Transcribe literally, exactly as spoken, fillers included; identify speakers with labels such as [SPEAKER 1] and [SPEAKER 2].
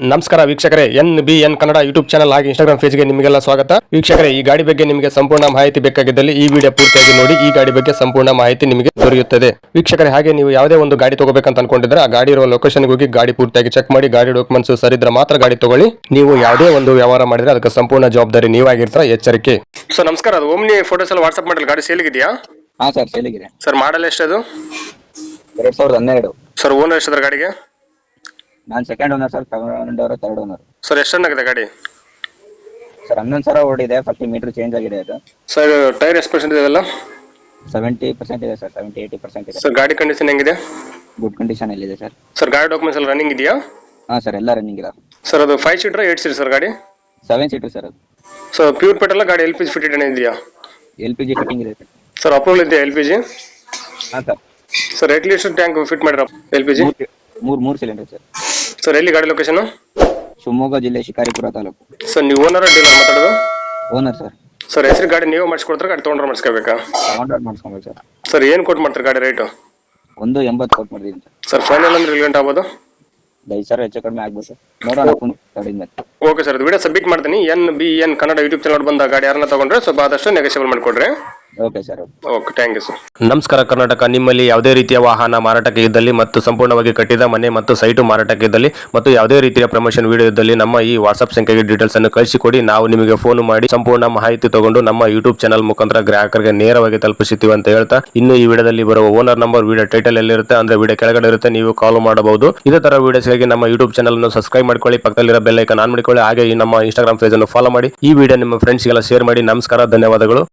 [SPEAKER 1] ನಮಸ್ಕಾರ ವೀಕ್ಷಕರೇ, N B N Kannada YouTube channel ಹಾಗೆ ಇನ್ಸ್ಟಾಗ್ರಾಮ್ ಪೇಜ್ಗೆ ನಿಮಗೆಲ್ಲ ಸ್ವಾಗತ. ವೀಕ್ಷಕರೇ, ಈ ಗಾಡಿ ಬಗ್ಗೆ ನಿಮಗೆ ಸಂಪೂರ್ಣ ಮಾಹಿತಿ ಬೇಕಾಗಿದ್ದಲ್ಲಿ ಈ ವಿಡಿಯೋ ಪೂರ್ತಿಯಾಗಿ ನೋಡಿ. ಈ ಗಾಡಿ ಬಗ್ಗೆ ಸಂಪೂರ್ಣ ಮಾಹಿತಿ ನಿಮಗೆ ದೊರೆಯುತ್ತದೆ. ವೀಕ್ಷಕರೇ, ಹಾಗೆ ನೀವು ಯಾವುದೇ ಒಂದು ಗಾಡಿ ತಗೋಬೇಕಂತ ಅನ್ಕೊಂಡಿದ್ರೆ ಆ ಗಾಡಿ ಇರುವ ಲೊಕೇಶನ್ಗೆ ಹೋಗಿ ಗಾಡಿ ಪೂರ್ತಿಯಾಗಿ ಚೆಕ್ ಮಾಡಿ ಗಾಡಿ ಡಾಕ್ಯುಮೆಂಟ್ಸ್ ಸರಿದ್ರೆ ಮಾತ್ರ ಗಾಡಿ ತಗೊಳ್ಳಿ. ನೀವು ಯಾವುದೇ ಒಂದು ವ್ಯವಹಾರ ಮಾಡಿದ್ರೆ ಅದಕ್ಕೆ ಸಂಪೂರ್ಣ ಜವಾಬ್ದಾರಿ ನೀವಾಗಿರ್ತೀರ, ಎಚ್ಚರಿಕೆ. ಸರ್ ನಮಸ್ಕಾರ, ಅದು ಓಮ್ನಿ ಫೋಟೋಸ್ ಎಲ್ಲ ವಾಟ್ಸ್ಆಪ್ ಮಾಡಲಿ ಗಾಡಿ ಸೇಲಿಗಿದೆಯಾ?
[SPEAKER 2] ಹಾ ಸರ್, ಸೇಲಿಗಿದೆ
[SPEAKER 1] ಸರ್. ಮಾಡಲ್ ಎಷ್ಟದು?
[SPEAKER 2] ಎರಡ್ ಸಾವಿರದ ಹನ್ನೆರಡು.
[SPEAKER 1] ಸರ್ ಓನರ್ ಎಷ್ಟಿದ್ರೆ ಗಾಡಿಗೆ?
[SPEAKER 2] ನಾನು ಸೆಕೆಂಡ್ ಓನರ್ ಸರ್, ತಗೊಂಡ್ ಅವರು ಥರ್ಡ್ ಓನರ್.
[SPEAKER 1] ಸರ್ ಎಷ್ಟು ಚೆನ್ನಾಗಿದೆ ಗಾಡಿ?
[SPEAKER 2] ಸರ್ ಹನ್ನೊಂದು ಸಾವಿರ ಓಡಿದೆ, ಫಾರ್ಟಿ ಮೀಟರ್ ಚೇಂಜ್ ಆಗಿದೆ ಅದು.
[SPEAKER 1] ಸರ್ ಟೈರ್ ಎಷ್ಟು ಪರ್ಸೆಂಟ್ ಇದೆಲ್ಲ?
[SPEAKER 2] ಸೆವೆಂಟಿ ಪರ್ಸೆಂಟ್ ಇದೆ ಸರ್, ಸೆವೆಂಟಿ ಏಯ್ಟಿ ಪರ್ಸೆಂಟ್ ಇದೆ.
[SPEAKER 1] ಸರ್ ಗಾಡಿ ಕಂಡೀಷನ್ ಹೆಂಗಿದೆ?
[SPEAKER 2] ಗುಡ್ ಕಂಡೀಷನ್ ಇದೆ ಸರ್.
[SPEAKER 1] ಸರ್ ಗಾಡಿ ಡಾಕ್ಯುಮೆಂಟ್ಸ್ ಎಲ್ಲ ರನ್ನಿಂಗ್ ಇದೆಯಾ?
[SPEAKER 2] ಹಾ ಸರ್, ಎಲ್ಲ ರನ್ನಿಂಗ್ ಇದೆ.
[SPEAKER 1] ಸರ್ ಅದು five seater eight seater sir ಗಾಡಿ?
[SPEAKER 2] ಸೆವೆನ್ ಸೀಟರ್ ಸರ್ ಅದು.
[SPEAKER 1] ಸರ್ ಪ್ಯೂರ್ ಪೆಟ್ರೋಲ್ ಗಾಡಿ ಎಲ್ ಪಿ ಜಿ ಫಿಟೆಡ್ ಇದೆಯಾ?
[SPEAKER 2] ಎಲ್ ಪಿ ಜಿ ಫಿಟ್ಟಿಂಗ್ ಇದೆ ಸರ್.
[SPEAKER 1] ಸರ್ ಅಪ್ರೂವಲ್ ಇದೆಯಾ ಎಲ್ ಪಿ ಜಿ?
[SPEAKER 2] ಹಾ ಸರ್.
[SPEAKER 1] ಸರ್ ಎಷ್ಟು ಲೀಟರ್ ಟ್ಯಾಂಕ್ ಫಿಟ್ ಮಾಡಿರೋ ಎಲ್ ಪಿ ಜಿ?
[SPEAKER 2] ಮೂರು ಮೂರು ಸಿಲಿಂಡರ್ ಸರ್.
[SPEAKER 1] ಸರ್ ಎಲ್ಲಿ ಗಾಡಿ ಲೊಕೇಶನ್?
[SPEAKER 2] ಶಿವಮೊಗ್ಗ ಜಿಲ್ಲೆ ಶಿಕಾರಿಪುರ ತಾಲೂಕು.
[SPEAKER 1] ಸರ್ ನೀವು ಓನರ್ ಡೀಲರ್ ಮಾತಾಡೋದು?
[SPEAKER 2] Owner sir.
[SPEAKER 1] ಸರ್ ಹೆಸರು ಗಾಡಿ ನೀವು ಮಾಡಿಸ್ಕೊಡ್ತಾರೆ, ಗಾಡಿ ತೊಗೊಂಡ್ರೆ ಮಾಡಿಸ್ಕೋಬೇಕಾ?
[SPEAKER 2] ತಗೊಂಡ್ರೆ ಮಾಡಿಸ್ಕೊಬೇಕು ಸರ್.
[SPEAKER 1] ಸರ್ ಏನು ಕೊಟ್ಟು ಮಾಡ್ತಾರೆ ಗಾಡಿ ರೇಟು?
[SPEAKER 2] ಒಂದು ಎಂಬತ್ತು ಕೊಟ್ಟು ಮಾಡಿದ್ದೀನಿ ಸರ್.
[SPEAKER 1] ಸರ್ ಫೈನಲ್ ಅಂದ್ರೆ ಎಲ್ಲಿ ಗಂಟೆ ಆಗ್ಬೋದು?
[SPEAKER 2] ಐದು ಸಾವಿರ ಹೆಚ್ಚು ಕಡಿಮೆ ಆಗ್ಬೋದು ಸರ್, ನೋಡೋಣ ಕಡಿಮೆ.
[SPEAKER 1] ಓಕೆ ಸರ್, ಇದು ವಿಡಿಯೋ ಸಬ್ಮಿಟ್ ಮಾಡ್ತೀನಿ. N B N Kannada YouTube channel ಬಂದ ಗಾಡಿ ಯಾರನ್ನ ತಗೊಂಡ್ರೆ ಸ್ವಲ್ಪ ಆದಷ್ಟು ನೆಗೋಷಿಯಬಲ್ ಮಾಡಿಕೊಡ್ರಿ.
[SPEAKER 2] Okay sir.
[SPEAKER 1] Okay, thank you sir. ನಮಸ್ಕಾರ ಕರ್ನಾಟಕ. ನಿಮ್ಮಲ್ಲಿ ಯಾವುದೇ ರೀತಿಯ ವಾಹನ ಮಾರಾಟಕ್ಕೆ ಇದ್ದಲ್ಲಿ ಮತ್ತು ಸಂಪೂರ್ಣವಾಗಿ ಕಟ್ಟಿದ ಮನೆ ಮತ್ತು ಸೈಟು ಮಾರಾಟಕ್ಕೆ ಇದ್ದಲ್ಲಿ ಮತ್ತು ಯಾವುದೇ ರೀತಿಯ ಪ್ರಮೋಷನ್ ವಿಡಿಯೋ ಇದ್ದಲ್ಲಿ ನಮ್ಮ ಈ ವಾಟ್ಸ್ಆಪ್ ಸಂಖ್ಯೆಗೆ ಡೀಟೇಲ್ಸ್ ಅನ್ನು ಕಳಿಸಿಕೊಡಿ. ನಾವು ನಿಮಗೆ ಫೋನ್ ಮಾಡಿ ಸಂಪೂರ್ಣ ಮಾಹಿತಿ ತಗೊಂಡು ನಮ್ಮ ಯೂಟ್ಯೂಬ್ ಚಾನಲ್ ಮುಖಾಂತರ ಗ್ರಾಹಕರಿಗೆ ನೇರವಾಗಿ ತಲುಪಿಸುತ್ತೀವಿ ಅಂತ ಹೇಳ್ತಾ, ಇನ್ನು ಈ ವಿಡಿಯೋದಲ್ಲಿ ಬರುವ ಓನರ್ ನಂಬರ್ ವಿಡಿಯೋ ಟೈಟಲ್ ಎಲ್ಲಿರುತ್ತೆ ಅಂದ್ರೆ ವಿಡಿಯೋ ಕೆಳಗಡೆ ಇರುತ್ತೆ, ನೀವು ಕಾಲ್ ಮಾಡಬಹುದು. ಇದೇ ತರ ವಿಡಿಯೋಸ್ಗಾಗಿ ನಮ್ಮ ಯೂಟ್ಯೂಬ್ ಚಾನಲ್ ಅನ್ನು ಸಬ್ಸ್ಕ್ರೈಬ್ ಮಾಡ್ಕೊಳ್ಳಿ, ಪಕ್ಕದಲ್ಲಿರೋ ಬೆಲ್ ಐಕಾನ್ ಆನ್ ಮಾಡಿಕೊಳ್ಳಿ. ಹಾಗೆ ಈ ನಮ್ಮ ಇನ್ಸ್ಟಾಗ್ರಾಮ್ ಪೇಜ್ ಅನ್ನು ಫಾಲೋ ಮಾಡಿ. ಈ ವಿಡಿಯೋ ನಿಮ್ಮ ಫ್ರೆಂಡ್ಸ್ಗೆಲ್ಲ ಶೇರ್ ಮಾಡಿ. ನಮಸ್ಕಾರ, ಧನ್ಯವಾದಗಳು.